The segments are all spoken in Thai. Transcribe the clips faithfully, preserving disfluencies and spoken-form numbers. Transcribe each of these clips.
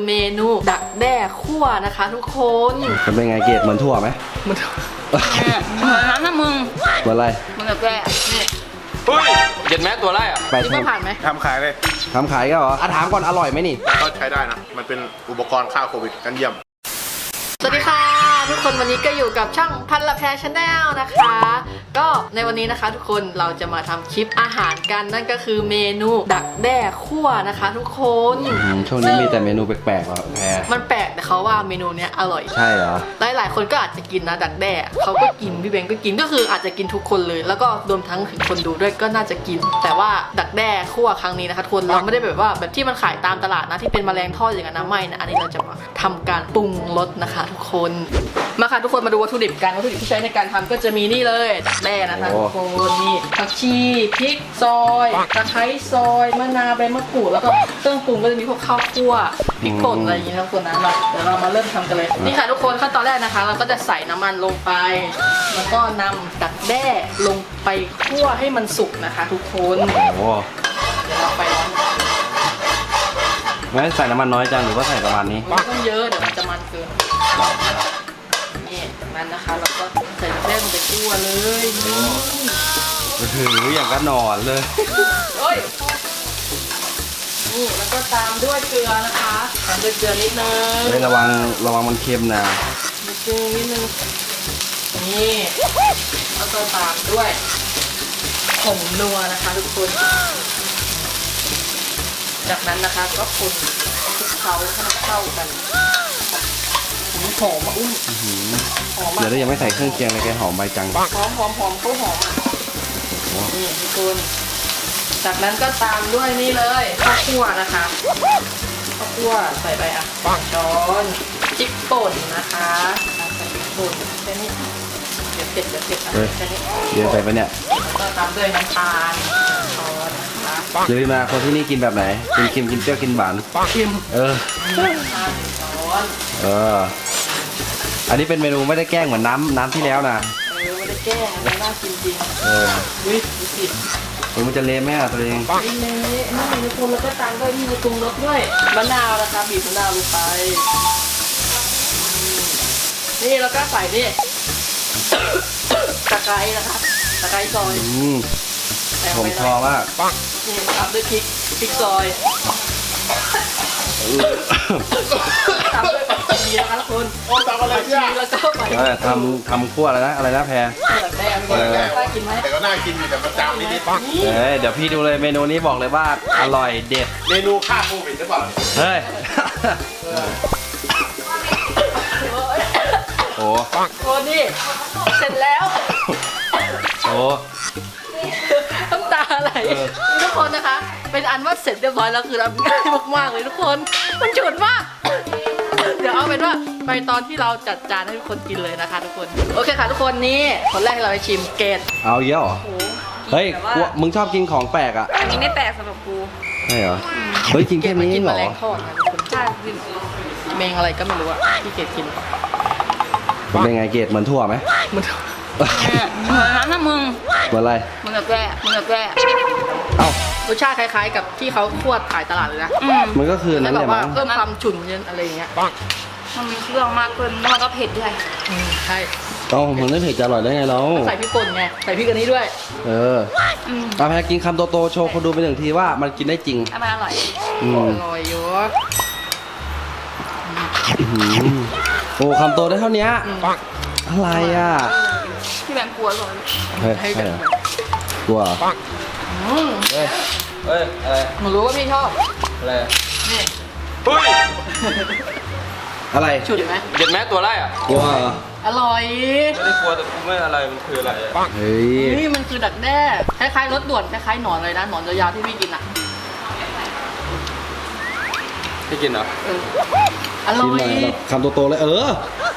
เมนูดักแด้คั่วนะคะทุกคนมันเป็นไงเกรดเหมือนถั่วไหมมันเหมือนน้ำนะมึงเหมือนอะไรมันดักแด้นี่เฮ้ยเห็นไหมตัวไรอ่ะคิดว่าผ่านไหมทำขายเลยทำขายก็เหรออ่ะถามก่อนอร่อยไหมนี่ก็ใช้ได้นะมันเป็นอุปกรณ์ฆ่าโควิดกันเยี่ยมสวัสดีค่ะทุกคนวันนี้ก็อยู่กับช่องพันละแพรชาแนลนะคะก็ในวันนี้นะคะทุกคนเราจะมาทำคลิปอาหารกันนั่นก็คือเมนูดักแด้คั่วนะคะทุกคนช่วงนี้มีแต่เมนูแปลกๆว่ะแพรมันแปลกแต่เขาว่าเมนูเนี้ยอร่อยใช่เหรอหลายๆคนก็อาจจะกินนะดักแด้เขาก็กินพี่เบงก็กินก็คืออาจจะกินทุกคนเลยแล้วก็รวมทั้งถึงคนดูด้วยก็น่าจะกินแต่ว่าดักแด้คั่วครั้งนี้นะคะทุกคนเราไม่ได้แบบว่าแบบที่มันขายตามตลาดนะที่เป็นแมลงทอดอย่างนั้นนะไม่นะอันนี้เราจะมาทำการปรุงรสนะคะทุกคนมาค่ะทุกคนมาดูวัตถุดิบกันวัตถุดิบที่ใช้ในการทำก็จะมีนี่เลยดักแด้นะคะทุกคนนี่ผักชีพริกซอยตะไคร้ซอยมะนาวใบมะกรูดแล้วก็เครื่องปรุงก็จะมีพวกข้าวคั่วพริกป่นอะไรอย่างเงี้ยทุกคนนะเราเดี๋ยวเรามาเริ่มทำกันเลยนี่ค่ะทุกคนขั้นตอนแรกนะคะเราก็จะใส่น้ำมันลงไปแล้วก็นำดักแด้ลงไปคั่วให้มันสุกนะคะทุกคนโอ้เดี๋ยวเราไปร้อนงั้นใส่น้ำมันน้อยจังหรือว่าใส่ประมาณนี้ไม่ต้องเยอะเดี๋ยวมันจะมันเกินนี่จากนั้นนะคะเราก็ใส่ดักแด้ลงไปคั่วเลยนี่ถืออย่างก็นอนเลยโอ้ยนี่แล้วก็ตามด้วยเกลือนะคะตามด้วยเกลือนิดนึงไม่ระวังระวังมันเค็มนะนิดนึงนิดนึงนี่แล้วก็ตามด้วยผงนัวนะคะทุกคนจากนั้นนะคะก็คนคลุกเคล้าให้มันเข้ากันหอมมาอุ้มหอมมากเดี๋ยวยังไม่ใส่เครื่องเคียงเลยแกหอมใบจังหอมหอมหอมเขาหอมอ่ะนี่ทุกคนจากนั้นก็ตามด้วยนี่เลยข้าวคั่วนะคะข้าวคั่วใส่ไปอ่ะช้อนพริกป่นนะคะใส่พริกป่นแค่นี้เดี๋ยวเผ็ดเดี๋ยวเผ็ดอ่ะแค่นี้เดี๋ยวใส่ไปเนี่ยแล้วก็ตามด้วยน้ำตาลช้อนนะคะเลยมาคนที่นี่กินแบบไหนกินเค็มกินเปรี้ยวกินหวานเค็มเออช้อนเอออันนี้เป็นเมนูไม่ได้แกล้งเหมือนน้ำน้ำที่แล้วนะเออไม่ได้แกล้งอันนี้น่ากินจริงเอออุ้ยดูสิมันจะเละไหมอ่ะตัวเองไม่เละนี่ทุกคนแล้วก็ตามด้วยนี่ปรุงรสด้วยมะนาวนะคะบีบมะนาวลงไปนี่แล้วก็ใส่นี่ตะไคร้นะคะตะไคร้ซอยผมชอบมากนี่ตามด้วยพริกพริกซอยตามด้วยผักชีนะคะทุกคนโอ้ตามอะไรเนี่ยแล้วก็ใส่ทำทำคั่วอะไรนะอะไรนะแพรแม่ไม่ได้น่ากินไหมแต่ก็น่ากินอยู่แต่มันจามนิดนิดเฮ้ยเดี๋ยวพี่ดูเลยเมนูนี้บอกเลยว่าอร่อยเด็ดเมนูฆ่าโควิดหรือเปล่าเฮ้ยโอ้โอ้นี่เสร็จแล้วโอ้น้ำตาไหลทุกคนนะคะเป็นอันว่าเสร็จเรียบร้อยแล้วคือทำง่ายมากๆเลยทุกคนมันฉุนมากเดี๋ยวเอาเป็นว่าไปตอนที่เราจัดจานให้ทุกคนกินเลยนะคะทุกคนโอเคค่ะทุกคนนี่คนแรกเราไปชิมเกตเอาเยอะเหรอเฮ้ยมึงชอบกินของแปลกอ่ะอันนี้ไม่แปลกสำหรับกูใช่เหรอเฮ้ยกินแค่นี้เหรอใช่กินเมงอะไรก็ไม่รู้อะที่เกตกินเป็นไงเกตเหมือนถั่วไหมเหมือนเหมือนน้ำนะมึงเหมือนอะไรเหมือนกับแร่เหมือนกับแร่เอ้ารสชาติคล้ายๆกับที่เขาคั่วขายตลาดเลยนะมันก็คือนั่นแหละมั้งเพิ่มความฉุนเย็นอะไรอย่างเงี้ยมันมีเครื่องมากขึ้นแล้วมันก็เผ็ดด้วยใช่อ๋อมันไม่เผ็ดจะอร่อยได้ไงเราใส่พริกป่นไงใส่พริกอันนี้ด้วยเออเอาแพรกินคำโตๆโชว์คนดูไปหนึ่งทีว่ามันกินได้จริงมันอร่อยอร่อยอยู่โอ้คำโตได้เท่านี้อะไรอ่ะพี่แบงค์กลัวหรอเฮ้ยใช่เหรกลัวเฮ้ยเฮ้ยอะไรหนูรู้ว่าพี่ชอบอะไรนี่เฮ้ยอะไรฉุดไหมเห็นไหมตัวไรอ่ะกลัวอร่อยไม่ได้กลัวแต่กูไม่อะไรมันคืออะไรอ่ะเฮ้ยนี่มันคือดักแด้คล้ายๆรสด่วนคล้ายๆหนอนเลยนะหนอนยาวๆที่พี่กินอ่ะพี่กินเหรออร่อยคำโตๆเลยเออ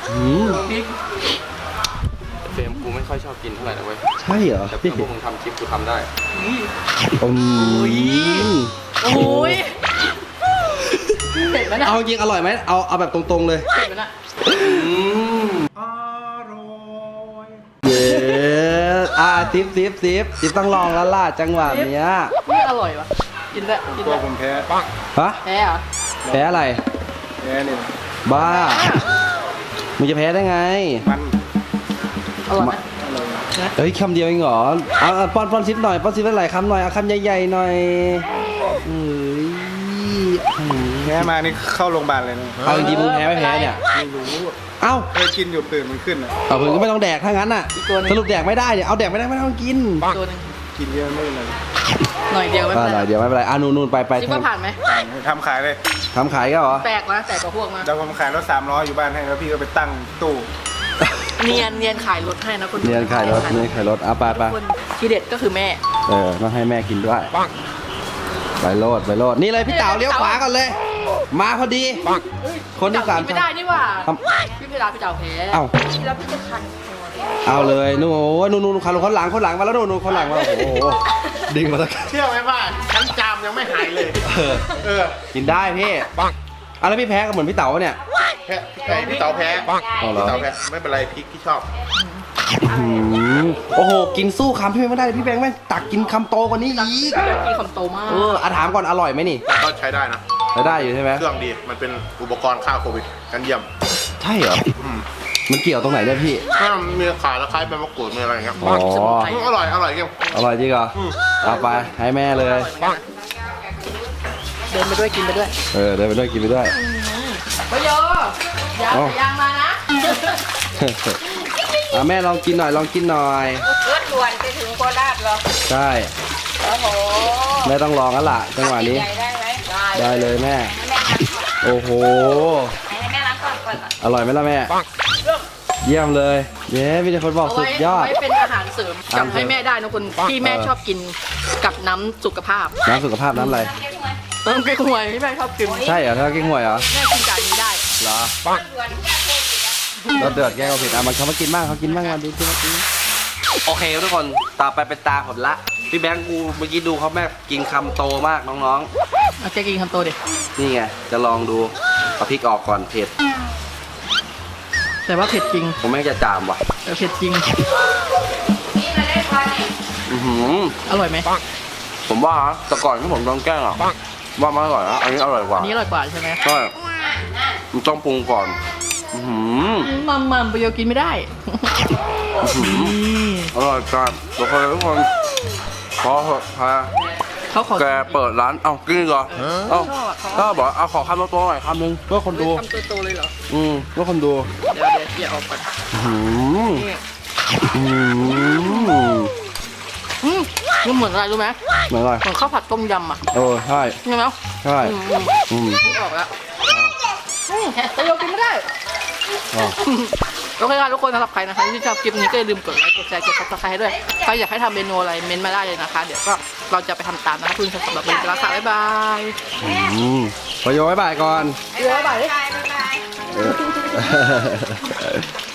เฟรมกูไม่ค่อยชอบกินเท่าไหร่นะเว้ยใช่เหรอแต่พวกมึงทำคลิปกูทำได้โอ้ยโอ้ยเผ็ดไหมนะเอาจริงอร่อยไหมเอาเอาแบบตรงๆเลยเผ็ดไหมนะอร่อยเย้อ่ะซิปซิปซิปซิปต้องลองแล้วล่ะจังหวะเนี้ยไม่อร่อยวะกินได้กินตัวได้ผมแพ้ฮะแพ้เหรอแพ้อะไรแแพ้เนี่ยบ้ามึงจะแพ้ได้ไงมันอร่อยไหมเฮ้ยคำเดียวเองเหรอเอาเอาป้อนป้อนซิปหน่อยป้อนซิปหลายๆคำหน่อยเอาคำใหญ่ๆหน่อยเอ้ยอืมแพ้มานี่เข้าโรงพยาบาลเลยนะเอาจริงๆมึงแพ้ไม่แพ้เนี่ยไม่รู้เอ้าเคยกินอยู่ตื่นมันขึ้นอ่ะเอาเพื่อนก็ไม่ต้องแดกถ้างั้นน่ะสรุปแดกไม่ได้เนี่ยเอาแดกไม่ได้ไม่ต้องกินตัวหนึงกินเยอะไม่เป็นไรหน่อยเดียวไม่อ่าเป็นหไรน่อยเดี๋ยวไม่เป็นไรอ่ะนู่นนู่นไปไปคิดว่าผ่านไหมทำขายเลยทำขายก็เหรอแตกนะแตกกว่าพวกนะแล้วผมขายรถสามล้ออยู่บ้านให้แล้วพี่ก็ไปตั้งตู้เนียนเนียนขายรถให้นะคุณเนียนขายรถเนียนขายรถอ่ะไปไปคนที่เด็ดก็คือแม่เออต้องให้แม่กินด้วยไปโลดไปโลดนี่เลยพี่เต๋าเลี้ยวขวาก่อนเลย มาพอดีคนที่สามไม่ได้นี่หว่าครับพี่เพลาพี่เจ้าแพ้เอ้าแล้วพี่จะคันคอเอาเลยนู่นโอ้ยนู่นนู่นคนคนหลังคนหลังมาแล้วนู่นนู่นคนหลังมาโอ้โหดึงมาแล้วเชื่อไหมว่าชั้นจามยังไม่หายเลยเออเออกินได้พี่อ่ะแล้วพี่แพ้ก็เหมือนพี่เต๋าเนี่ยแพ้ไอพี่เต๋าแพ้เอาเหรอพี่เต๋าแพ้ไม่เป็นไรพริกที่ชอบอืมโอ้โหกินสู้คำพี่แบงค์ไม่ได้พี่แบงค์แม่งตักกินคำโตกว่านี้อีกพี่คำโตมากเอออ่ะถามก่อนอร่อยไหมนี่ก็ใช้ได้นะใช้ได้อยู่ใช่ไหมเครื่องดีมันเป็นอุปกรณ์ฆ่าโควิดกันเยี่ยมใช่เหรออืมมันเกี่ยวตรงไหนเนี่ยพี่ถ้ามันมีขาตะไคร้ใบมะกรูดมีอะไรอย่างเงี้ยอ๋ออืมอร่อยอร่อยเกี่ยวอร่อยจริงเหรอเอาไปให้แม่เลยเดินไปด้วยกินไปด้วยเออเดินไปด้วยกินไปด้วยไปโยยางเอ้ายางมานะอ่ะแม่ลองกินหน่อยลองกินหน่อยรถด่วนไปถึงโคราชเหรอใช่โอ้โหแม่ต้องลองแล้วล่ะจังหวะนี้ใหญ่ได้ไหมได้เลยแม่ให้แม่ล้างก่อนโอ้โหให้แม่ล้างก่อนก่อนอร่อยไหมล่ะแม่ เยี่ยมเลย เย้พี่เดชคนบอกเอาสุไว้ดยอดเอาไว้เป็นอาหารเสริมอาหารจำเสริมให้แม่ได้นะคุณที่แม่เออชอบกินกับน้ำสุขภาพน้ำสุขภาพน้ำอะไรเออเก๊กฮวยที่แม่ชอบกินใช่เหรอถ้ากิ้งหวยเหรอแม่กินจานนี้ได้เหรอด่วนแก้โควิดอะรสเดือดแก้ก็ผิดอ่ะมันเขามากินบ้างเขากินบ้างวันดีกินมากินโอเคทุกคนต่อไปเป็นตาผลละพี่แบงค์กูเมื่อกี้ดูเขาแม่กินคำโตมากน้องเอาเจ๊กินคำโตดิๆ นี่ไงจะลองดูเอาพริกออกก่อนเผ็ดแต่ว่าเผ็ดจริงผมแม่งจะจามว่ะแต่เผ็ดจริงนี่มาเล่นบอลนี่อือหืออร่อยไหมผมว่าแต่ก่อนที่ผมต้องแกล้งอ่ะว่ามันอร่อยนะอันนี้อร่อยกว่าอันนี้อร่อยกว่าใช่ไหมใช่มันต้องปรุงก่อนอือหือมัมมัมไปโยกินไม่ได้อื้อหืออร่อยจัดทุกคนทุกคนพอเหอะพาเขาขอแกเปิดร้านเอ้ากินอีกเหรอเอ้าชอบอะเขาก็บอกเอาขอคำโตๆหน่อยคำหนึงเพื่อคนดูคำโตๆเลยเหรออืมเพื่อคนดูเดี๋ยวเดี๋ยวเดี๋ยวออกก่อนอื้อหือนี่อืมอืมมันเหมือนอะไรรู้ไหมเหมือนอะไรเหมือนข้าวผัดต้มยำอ่ะเออใช่ใช่ไหมใช่อืมอืมอืมนึกออกแล้วอืมแต่โยกินไม่ได้อ๋อโอเคค่ะทุกคนสำหรับใครนะคะที่ชอบคลิปนี้ก็อย่าลืมกดไลค์กดแชร์กดซับสไครต์ให้ด้วยใครอยากให้ทำเมนูอะไรเม้นต์มาได้เลยนะคะ เดี๋ยวก็เราจะไปทำตามนะคะคุณสำหรับวันนี้ลาค่ะบ๊ายบายอืมพอโยบ๊ายบายก่อนเดี๋ยวบ๊ายบายบายบายเออ